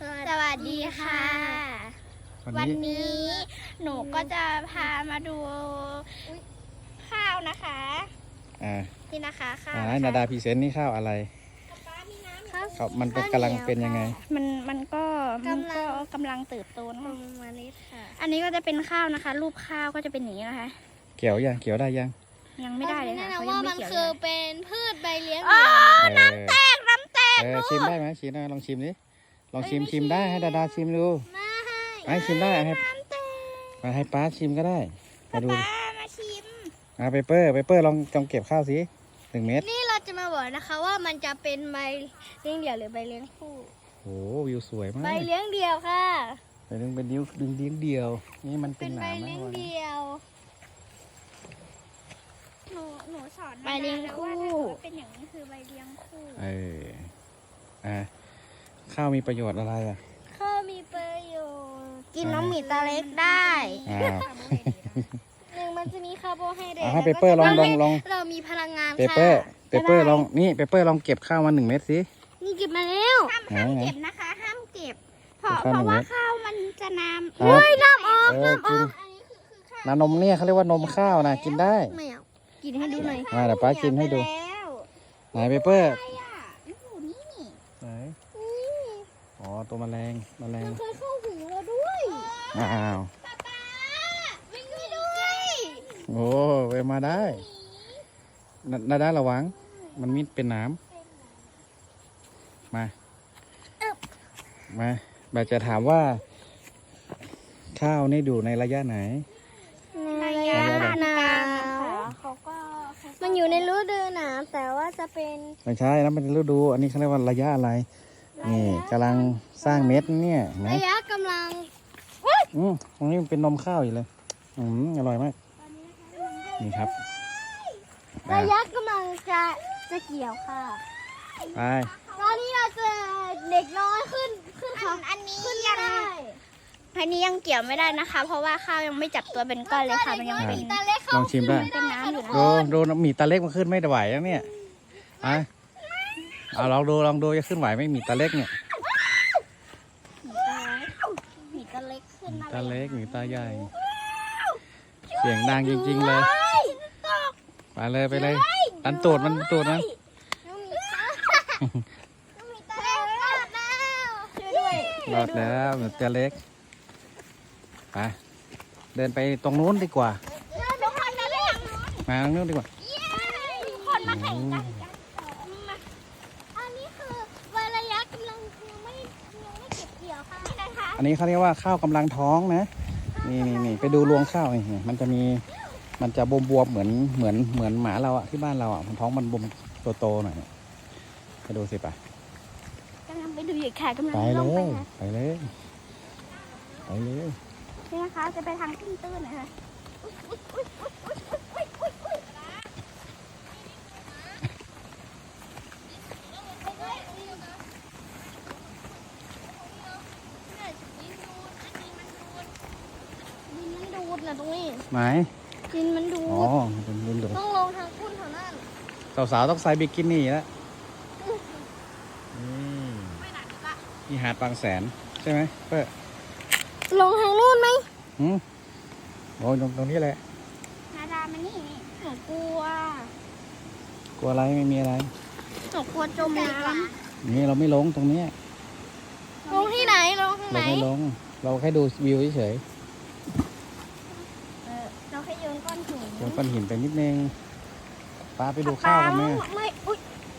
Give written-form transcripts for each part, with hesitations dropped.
สวัสดีค่ะ วันนี้หนูก็จะพามาดูข้าวนะคะนี่นะคะข้าวนาดาพรีเซนต์นี่ข้าวอะไรครับมันเป็นกำลังเป็นยังไงมันก็กำลังเติบโตนะคะอันนี้ก็จะเป็นข้าวนะคะ รูปข้าวก็จะเป็นอย่างนี้นะคะเกี่ยวได้ยังไม่ได้เลยค่ะเขายังไม่เกี่ยวคือเป็นพืชใบเลี้ยงน้ำแตกชิมได้ไหมชิมลองชิมดิลองชิมได้ให้ดาดาชิมดูให้ชิมได้ให้ป้าชิมก็ได้มาดูมาชิมเปเปอร์ลองเก็บข้าวสิ1 เม็ดนี่เราจะมาบอกนะคะว่ามันจะเป็นใบเลี้ยงเดี่ยวหรือใบเลี้ยงคู่โอ้วิวสวยมากใบเลี้ยงเดี่ยวค่ะเป็นนิ้วดึงเลี้ยงเดียวนี่มันเป็นหนามใบเลี้ยงเดี่ยวหนูสอนใบเลี้ยงคู่เป็นอย่างนี้คือใบเลี้ยงคู่ข้าวมีประโยชน์อะไรข้าวมีประโยชน์กินน้องหมีตาเล็กได้มันจะมีคาร์โบไฮเดรตให้เปเปอร์ลองเรามีพลังงานเปเปอร์ลองนี่เปเปอร์ลองเก็บข้าวมา1 เม็ดสินี่เก็บมาแล้วห้ามเก็บนะคะห้ามเก็บเพราะว่าข้าวมันจะน้ำน้ำออกน้ำนมเนี่ยเขาเรียกว่านมข้าวนะกินได้ไม่เอากินให้ดูหน่อยเดี๋ยวป้ากินให้ดูไหนเปเปอร์ไหนอ๋อตัวแมลงเคยเข้าหูเราด้วยอ้าววิ่งไปด้วยโอ้ไปมาได้ได้ระวังมันมีเป็นน้ำมาแบบจะถามว่าข้าวนี่ดูในระยะไหนระยะหนาวมันอยู่ในฤดูหนาวแต่ว่าจะเป็นไม่ใช่นะมันเป็นฤดูอันนี้เขาเรียกว่าระยะอะไรนี่กำลังสร้างเม็ดเนี่ยระยะกำลังตรงนี้มันเป็นนมข้าวอยู่เลยอร่อยมากนี่ครับระยะกำลังจะเกี่ยวค่ะไปตอนนี้เราจะเด็กน้อยขึ้นค่ะอันนี้ยังเกี่ยวไม่ได้นะคะ เพราะว่าข้าวยังไม่จับตัวเป็นก้อนเลยค่ะมันยังเป็นลองชิมได้เป็นน้ำอยู่ดูหมีตาเล็กมันขึ้นไม่ไหวแล้วเนี่ยลองดูจะขึ้นไหวไหมหมีตาเล็กเนี่ยหมีตาเล็กขึ้นตาเล็กหมีตาใหญ่เสียงดังจริงๆเลยไปเลยอันตูดมันนะรอดแล้วหมีตาเล็กไปเดินไปตรงนู้นดีกว่ามาตรงนู้นดีกว่าคนมาแข่งกันอันนี้คือระยะกำลังยังไม่เก็บเกี่ยวค่ะอันนี้เขาเรียกว่าข้าวกำลังท้องนะนี่ไปดูรวงข้าวนี่มันจะบวมเหมือนหมาเราที่บ้านเรามันท้องมันบวมโตหน่อยไปดูสิป่ะกำลังไปดูอยู่ค่ะกำลังลงไปเลยนี่นะคะจะไปทางตื้นๆนะคะตรงนี้ไหนดินมันดูต้องลงทางพุ่นเท่านั้นสาวต้องใส่บิกินี่แล้วนี่หาดบางแสนใช่ไหมเพื่อลงทางนู้นไหมโอ้ยตรงนี้แหละนาดามันนี่หนูกลัวอะไรไม่มีอะไรหนูกลัวจมน้ำนี่เราไม่ลงตรงนี้ลงที่ไหนลงเราไม่ลงเราแค่ดูวิวเฉยเราแค่โยนก้อนหินไปนิดนึงป้าไปดูข้าวกันไหมไม่อุ๊ย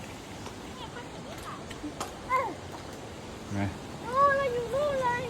นะเราอยู่นู่นเลย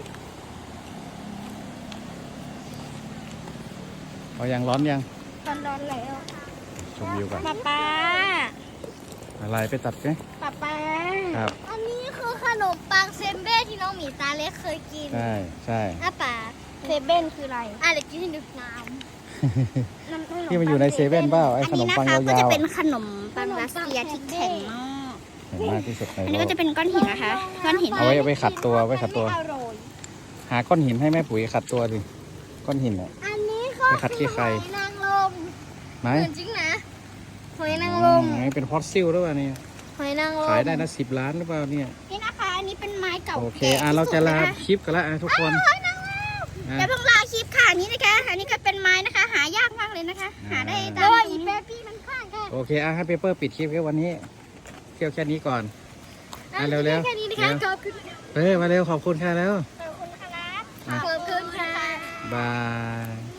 เขายังร้อนยังร้อนแล้วชมวิวกันป้าอะไรไปตัดไหมป้าครับอันนี้คือขนมปังเซมเบ้ที่น้องหมีตาเล็กเคยกินใช่ป้าเซเบ้นคืออะไรเดี๋ยวกินให้ดูน้ำที่มันอยู่ในเซเว่นเปล่าไอ้ขนมปังยาวๆก็จะเป็นขนมปังรัสเซียที่แข็งมากที่สุดในโลกอันนี้ก็จะเป็นก้อนหินนะคะก้อนหินเอาไว้ขัดตัวหาก้อนหินให้แม่ปุ๋ยขัดตัวดิก้อนหินอันนี้เขาขัดขี้ใครนางลมไหนจริงนะหอยนางรมเป็นฟอสซิลหรือเปล่าเนี่ยหอยนางรมขายได้นะ10 ล้านหรือเปล่าเนี่ยนี่นะคะนนี้เป็นไม้เก่าโอเคแก่เราจะลาที่สุดนคคลิปกันแล้วทุกคนอย่าเพิ่งลาคลิปค่ะอันนี้นะคะ อันนี้ก็เป็นไม้นะคะ หายากมากเลยนะคะ หาได้ตามโอ้ยนี้เบบี้มันข้างค่ะโอเคให้เปเปอร์ปิดคลิปแค่วันนี้เที่ยวแค่นี้ก่อนเร็วๆแค่นี้นะคะขอบคุณมาเร็วขอบคุณค่ะแล้วขอบคุณครับอ่ะขอบคุณค่ะบาย